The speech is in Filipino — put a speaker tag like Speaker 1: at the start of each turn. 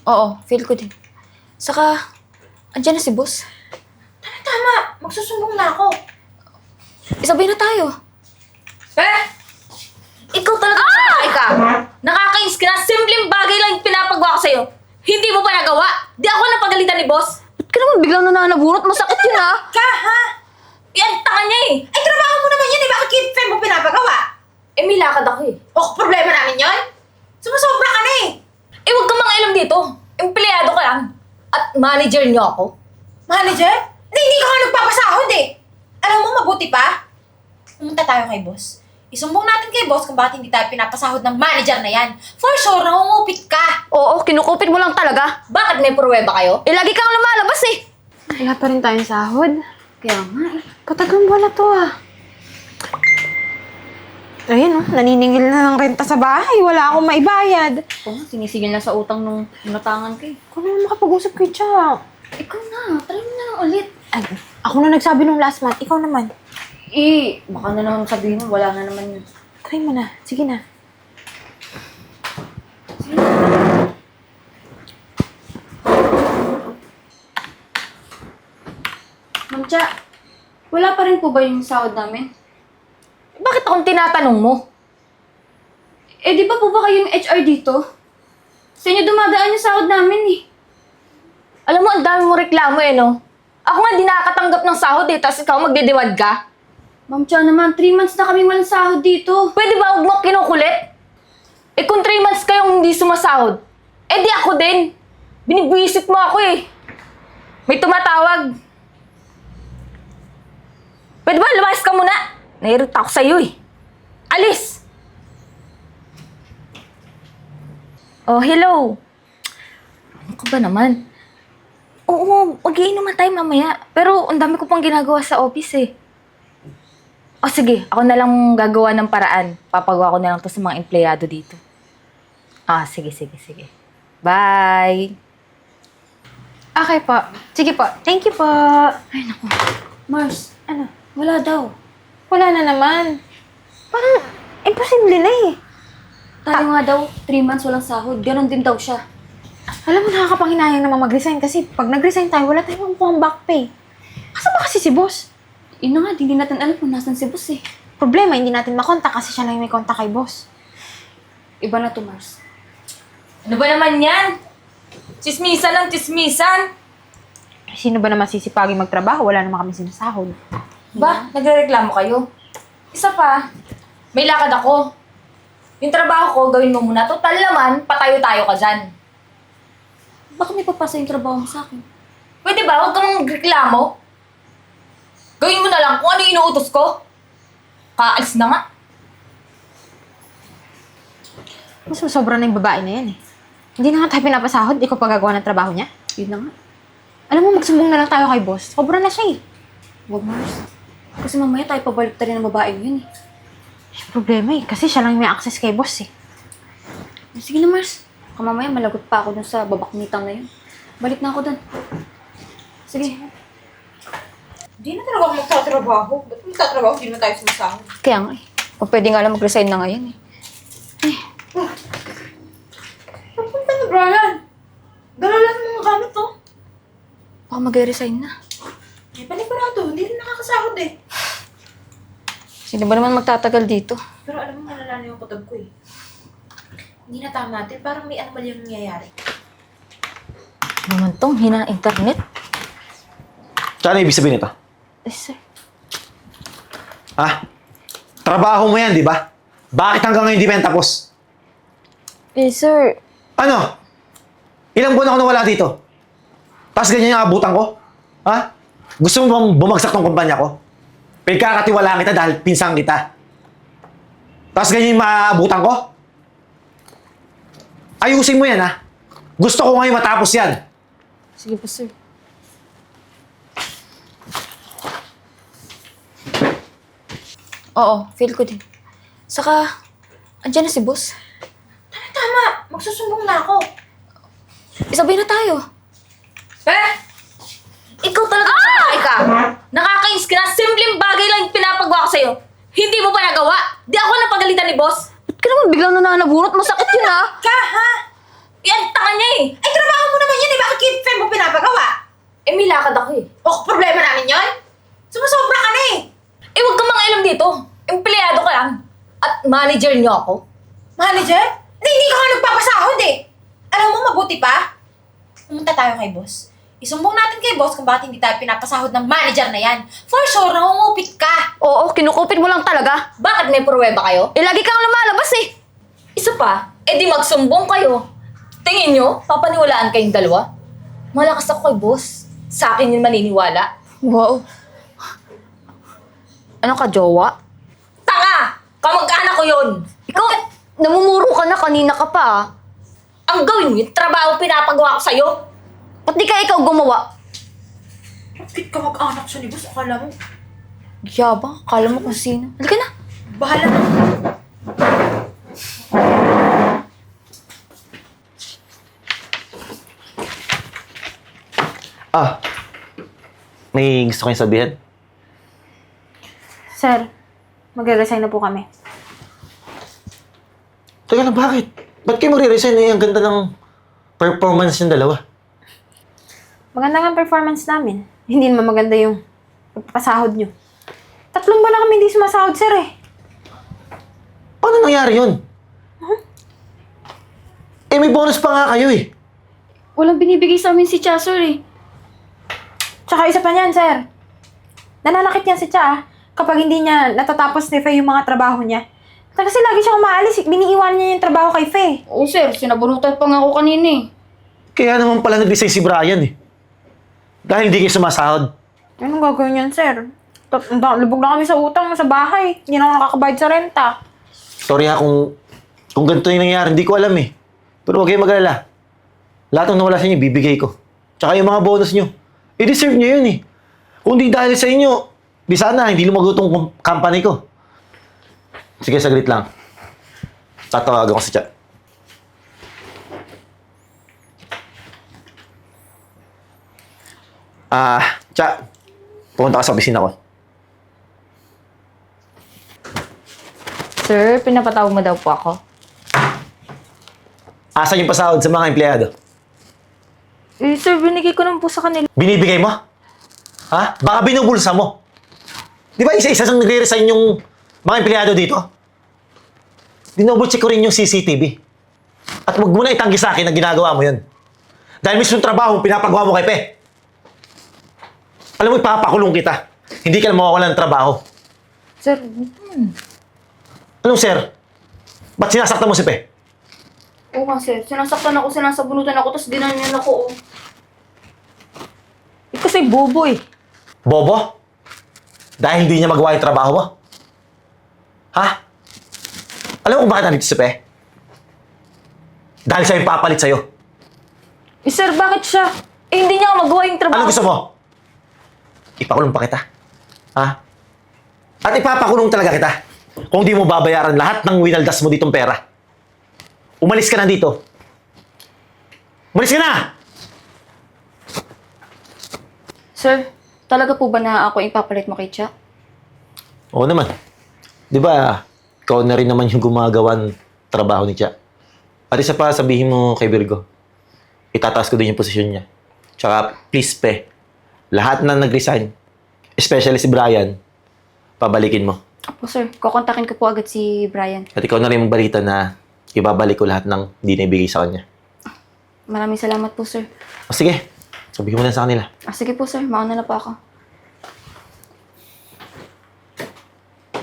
Speaker 1: Oo, feel ko din. Saka, andyan na si boss.
Speaker 2: Tama, magsusumbong na ako.
Speaker 1: Isabay na tayo.
Speaker 2: Ikaw talaga ka.
Speaker 3: Nakakainis ka na. Simpleng bagay lang yung pinapagawa ko sa'yo. Hindi mo pa nagawa. Di ako napagalitan ni boss.
Speaker 1: Ba't ka naman biglang nananabunot? Masakit yun ha?
Speaker 2: Ka, ha?
Speaker 3: Yan, tanga niya eh.
Speaker 2: Ay, trabaho mo naman yan eh. Bakit kid mo pinapagawa?
Speaker 3: Eh, may lakad ako eh.
Speaker 2: Problema namin yon. Sumusobra ka na eh.
Speaker 3: Eh, huwag kang mangialam dito. Empleyado ka lang. At manager niyo ako.
Speaker 2: Manager? Hindi ka nga nagpapasahod eh. Alam mo, mabuti pa. Pumunta tayo kay boss. Isumbong natin kay boss kung bakit hindi tayo pinapasahod ng manager na yan. For sure, nangungupit ka.
Speaker 1: Oo, kinukupit mo lang talaga.
Speaker 3: Bakit may pruweba kayo?
Speaker 1: Eh, lagi kang lumalabas eh.
Speaker 4: Wala pa rin tayong sahod.
Speaker 1: Kaya nga eh.
Speaker 4: Katagang wala to ah. Ayun oh, naniningil na ng renta sa bahay. Wala akong maibayad.
Speaker 1: Oo, sinisigil na sa utang nung inutangan ko eh.
Speaker 4: Ako na makapag-usap kay Cha.
Speaker 1: Ikaw na, try mo na lang ulit.
Speaker 4: Ay, ako na nagsabi nung last month. Ikaw naman.
Speaker 1: Eh, baka na naman sabihin mo, wala na naman yun.
Speaker 4: Try mo na. Sige na.
Speaker 1: Ma'am Cha, wala pa rin po ba yung sahod namin? Bakit akong tinatanong mo? Eh, di ba po ba kayong HR dito? Sa inyo dumadaan yung sahod namin eh. Alam mo, ang dami mo reklamo eh, no? Ako nga di nakakatanggap ng sahod eh, tapos ikaw magdidiwad ka? Ma'am Cha naman, 3 months na kami walang sahod dito. Pwede ba huwag mo kinukulit? Eh kung 3 months kayong hindi sumasahod, eh di ako din. Binibwisit mo ako eh. May tumatawag. Pwede ba lumayas ka muna? Nairita ako sa'yo eh. Alis! Oh, hello. Ano ka ba naman? Oo, mag-iinuman tayo mamaya. Pero ang dami ko pang ginagawa sa office eh. O sige, ako na lang gagawa ng paraan. Papagawa ko na lang to sa mga empleyado dito. Ah, sige. Bye!
Speaker 4: Okay po. Sige po. Thank you po.
Speaker 1: Ay, naku. Mars,
Speaker 4: Ano?
Speaker 1: wala daw.
Speaker 4: Wala na naman. Parang imposible na eh.
Speaker 1: Tayo nga daw, 3 months walang sahod. Ganon din daw siya.
Speaker 4: Alam mo, nakakapanghinayang naman mag-resign kasi pag nag-resign tayo, wala tayong makukuha back pay. Asa ba kasi si boss?
Speaker 1: Yun na nga, hindi natin alam kung nasan si boss eh.
Speaker 4: Problema, hindi natin makontak kasi siya lang yung may kontak kay boss.
Speaker 1: Iba na to, Mars.
Speaker 3: Ano ba naman yan? Chismisan ng chismisan.
Speaker 4: Sino ba naman sisipagin magtrabaho? Wala naman kami sinasahod.
Speaker 3: Ba, nagrereklamo kayo? Isa pa, may lakad ako. Yung trabaho ko, gawin mo muna. Total naman, patayo-tayo ka dyan.
Speaker 1: Baka may papasa yung trabaho mo sa akin.
Speaker 3: Pwede ba? Huwag kang magreklamo. Gawin mo na lang kung ano yung inuutos ko. Kaalis na nga.
Speaker 4: Mas sobra na yung babae na yan eh. Hindi na nga tayo pinapasahod, ikaw pa gagawa ng trabaho niya.
Speaker 1: Yun na nga.
Speaker 4: Alam mo, magsumbong na lang tayo kay boss. Sobra na siya eh.
Speaker 1: Huwag, Mars. Kasi mamaya tayo pabalik rin ng babaeng yun eh.
Speaker 4: May problema eh, kasi siya lang may access kay boss eh.
Speaker 1: Sige na, Mars. Baka mamaya malagot pa ako dun sa babakmitang na yun. Balik na ako dun. Sige.
Speaker 2: Hindi na talaga ako magtatrabaho. Ba't magtatrabaho? Hindi naman tayo sumasahod.
Speaker 1: Kaya nga eh. Kung pwede nga lang mag-resign na ngayon eh.
Speaker 2: Papunta na, Brian. Dala lang ng mga gamit to.
Speaker 1: Baka mag-resign na.
Speaker 2: Eh, panigurado. Hindi rin nakakasahod eh.
Speaker 1: Sino ba naman magtatagal dito?
Speaker 2: Pero alam mo, malala na yung kutob ko eh. Hindi na tama natin. Parang may anomal yung nangyayari.
Speaker 1: Naman tong hina ng internet.
Speaker 5: Tsaka ano ibig sabihin nito?
Speaker 1: Eh, sir.
Speaker 5: Ha? Trabaho mo yan, di ba? Bakit hanggang ngayon di pa yan tapos?
Speaker 1: Eh, sir.
Speaker 5: Ano? Ilang buwan ako nawala dito? Tapos ganyan yung abutan ko? Ha? Gusto mo bang bumagsak tong kumpanya ko? Pagkakatiwalaan kita dahil pinsang kita. Tapos ganyan yung maaabutan ko? Ayusin mo yan, ha? Gusto ko ngayon matapos yan.
Speaker 1: Sige po, sir. Oo, feel ko din. Saka, andyan na si boss.
Speaker 2: Tama, magsusumbong na ako.
Speaker 1: Isabay na tayo.
Speaker 3: Ikaw talaga ka. Nakakainis ka na. Simpleng bagay lang yung pinapagawa ko sa'yo. Hindi mo pa nagawa. Di ako napagalitan ni boss.
Speaker 1: Ba't ka naman biglang nananabunot? Masakit yun, ha?
Speaker 2: Ka, ha?
Speaker 3: Yan, tanga niya eh.
Speaker 2: Ay, trabaho
Speaker 3: Manager niyo ako?
Speaker 2: Manager? Hindi ka nga nagpapasahod eh. Alam mo, mabuti pa. Pumunta tayo kay boss. Isumbong natin kay boss kung bakit hindi tayo pinapasahod ng manager na yan. For sure, nangungupit ka.
Speaker 1: Oo, kinukupit mo lang talaga.
Speaker 3: Bakit may pruweba kayo?
Speaker 1: Eh, lagi kang lumalabas eh.
Speaker 3: Isa pa, di magsumbong kayo. Tingin nyo, papaniwalaan kayong dalawa? Malakas ako kay boss. Sa akin yung maniniwala.
Speaker 1: Wow. Ano ka, jowa?
Speaker 3: Tanga! Kamag-anak ko yun!
Speaker 1: Ikaw, namumuro ka na kanina ka pa ah.
Speaker 3: Ang gawin mo, yung trabaho pinapagawa ko sa'yo.
Speaker 1: Ba't di ka ikaw gumawa?
Speaker 2: Bakit ka mag-anak siya ni boss? Akala mo,
Speaker 1: Yabang, akala mo kung sino. Halika na.
Speaker 2: bahala na.
Speaker 5: Ah, may gusto kayong sabihin?
Speaker 4: Sir, magre-resign na po kami.
Speaker 5: Teka lang, bakit? Ba't kayo magre-resign eh? Ang ganda ng performance ng dalawa.
Speaker 4: Maganda nga ang performance namin. Hindi naman maganda yung pagpapasahod nyo. 3 buwan na kami hindi sumasahod, sir eh.
Speaker 5: Paano nangyari yun? Eh, may bonus pa nga kayo eh.
Speaker 1: Walang binibigay sa amin si Chasor eh.
Speaker 4: Tsaka isa pa niyan, sir. Nananakit yan si Cha kapag hindi niya natatapos ni Faye yung mga trabaho niya. Kasi lagi siyang umaalis, biniiwan niya yung trabaho kay Faye.
Speaker 1: Oo sir, sinabunutan pa nga ako kanina eh.
Speaker 5: Kaya naman pala nag-resign si Brian eh. Dahil hindi kayo sumasahod.
Speaker 4: Anong gagawin yan, sir? Lubog na kami sa utang sa bahay. Hindi na ako nakakabayad sa renta.
Speaker 5: Sorry ha kung ganito yung nangyari, hindi ko alam eh. Pero huwag kayong mag-alala. Lahat ng nawala sa inyo, bibigay ko. Tsaka yung mga bonus nyo, i-deserve nyo yun eh. Kung di dahil sa inyo, di sana hindi lumago tong company ko. Sige, saglit lang. Tatawagan ko si Cha. Cha, pumunta ka sa opisina ko.
Speaker 3: Sir, pinapatawag mo daw po ako.
Speaker 5: Asan yung pasahod sa mga empleyado?
Speaker 3: Eh, sir, binigay ko naman po sa kanila.
Speaker 5: Binibigay mo? Ha? Baka binubulsa mo. Di ba isa-isa sang nagre-resign yung mga empleyado dito? Dinoble-check ko rin yung CCTV. At huwag mo na itanggi sa akin na ginagawa mo yun. Dahil mismo yung trabaho pinapagawa mo kay Pe. Alam mo, ipapakulong kita. Hindi ka na mawawalan ng trabaho.
Speaker 3: Sir,
Speaker 5: Anong sir? Ba't sinasaktan mo si Pe?
Speaker 1: Oo nga sir, sinasaktan ako, sinasabunutan ako, tapos dinanyan ako oh.
Speaker 3: kasi bobo eh.
Speaker 5: Bobo? Dahil hindi niya magawa yung trabaho mo? Ha? Alam mo kung bakit nandito si Pe? Dahil siya yung papalit sa'yo.
Speaker 3: Eh, sir, bakit siya? Eh, hindi niya magawa yung trabaho.
Speaker 5: Ano gusto mo? Ipakulong pa kita. Ha? At ipapakulong talaga kita. Kung di mo babayaran lahat ng winaldas mo ditong pera. Umalis ka na dito. Umalis ka na!
Speaker 1: Sir, talaga po ba na ako ipapalit mo kay Cha?
Speaker 5: Oo naman. Di ba, ikaw na rin naman yung gumagawa ng trabaho ni Cha. At isa pa, sabihin mo kay Virgo, itataas ko din yung posisyon niya. Tsaka, please, Pe, lahat na nag-resign, especially si Brian, pabalikin mo.
Speaker 1: Opo sir, kukontakin ko po agad si Brian.
Speaker 5: At ikaw na rin magbalita na ibabalik ko lahat ng hindi na ibigay sa kanya.
Speaker 1: Maraming salamat po sir.
Speaker 5: O sige, sabihin mo na sa kanila.
Speaker 1: Sige po sir, mauna na po ako.